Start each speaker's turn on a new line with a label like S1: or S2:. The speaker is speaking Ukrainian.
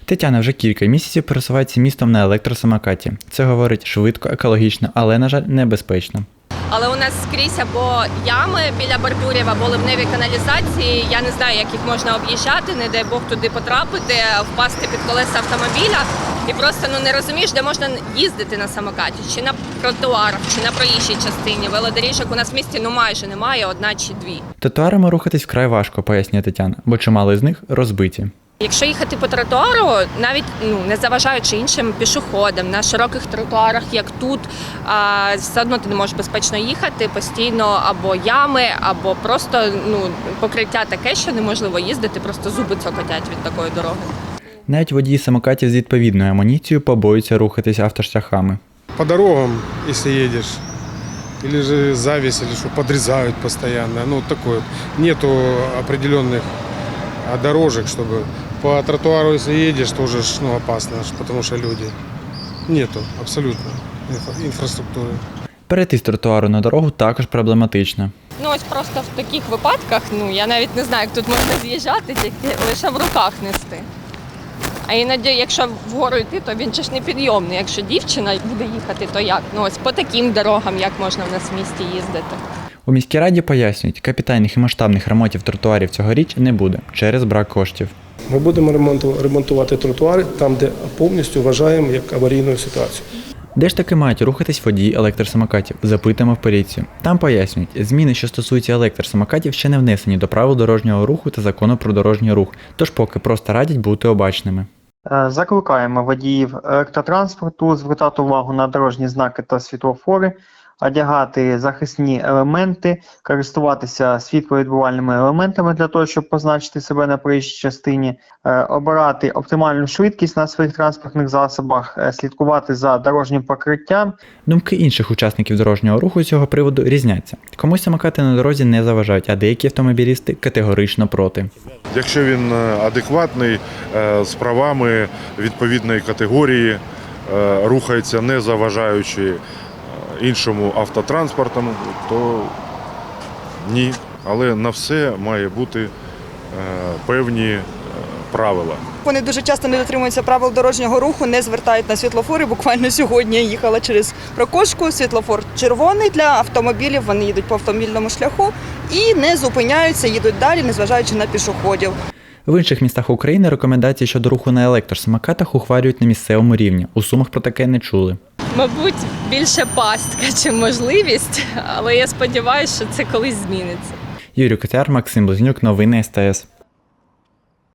S1: Тетяна вже кілька місяців пересувається містом на електросамокаті. Це, говорить, швидко, екологічно, але, на жаль, небезпечно.
S2: Але у нас скрізь або ями біля бордюрів, або ливневі каналізації. Я не знаю, як їх можна об'їжджати, не дай Бог туди потрапити, впасти під колеса автомобіля. І просто не розумієш, де можна їздити на самокаті. Чи на тротуарах, чи на проїжджій частині. Велодоріжок у нас в місті майже немає, одна чи дві.
S1: Тротуарами рухатись вкрай важко, пояснює Тетяна, бо чимало з них розбиті.
S2: Якщо їхати по тротуару, навіть не заважаючи іншим пішоходам, на широких тротуарах, як тут, все одно ти не можеш безпечно їхати, постійно або ями, або просто покриття таке, що неможливо їздити, просто зуби цокотять від такої дороги.
S1: Навіть водії самокатів з відповідною амуніцією побоюються рухатись автошляхами.
S3: По дорогам, если едешь, или же зависть, или что подрезают постоянно, такое. Нету определенных дорожек, чтобы по тротуару, если едешь, тоже опасно, потому что люди. Нету абсолютно инфраструктуры.
S1: Перейти з тротуару на дорогу також проблематично.
S2: Ось просто в таких випадках, я навіть не знаю, як тут можна з'їжджати, тільки лише в руках нести. А іноді, якщо вгору йти, то він ж не підйомний. Якщо дівчина буде їхати, то як? Ось по таким дорогам, як можна в нас в місті їздити.
S1: У міській раді пояснюють, капітальних і масштабних ремонтів тротуарів цьогоріч не буде через брак коштів.
S4: Ми будемо ремонтувати тротуари там, де повністю вважаємо як аварійну ситуацію.
S1: Де ж таки мають рухатись водії електросамокатів? Запитуємо в поліцію. Там пояснюють, зміни, що стосуються електросамокатів, ще не внесені до правил дорожнього руху та закону про дорожній рух, тож поки просто радять бути обачними.
S5: Закликаємо водіїв електротранспорту звертати увагу на дорожні знаки та світлофори, одягати захисні елементи, користуватися світловідбивальними елементами для того, щоб позначити себе на проїжджій частині, обирати оптимальну швидкість на своїх транспортних засобах, слідкувати за дорожнім покриттям.
S1: Думки інших учасників дорожнього руху з цього приводу різняться. Комусь самокати на дорозі не заважають, а деякі автомобілісти категорично проти.
S6: Якщо він адекватний, з правами відповідної категорії, рухається не заважаючи іншому автотранспорту, то ні. Але на все має бути певні правила.
S7: Вони дуже часто не дотримуються правил дорожнього руху, не звертають на світлофори. Буквально сьогодні я їхала через Прокошку, світлофор червоний для автомобілів, вони їдуть по автомобільному шляху і не зупиняються, їдуть далі, незважаючи на пішоходів.
S1: В інших містах України рекомендації щодо руху на електросамокатах ухвалюють на місцевому рівні. У Сумах про таке не чули.
S2: Мабуть, більше пастка, чи можливість, але я сподіваюся, що це колись зміниться.
S1: Юрій Котяр, Максим Близнюк, новини СТС.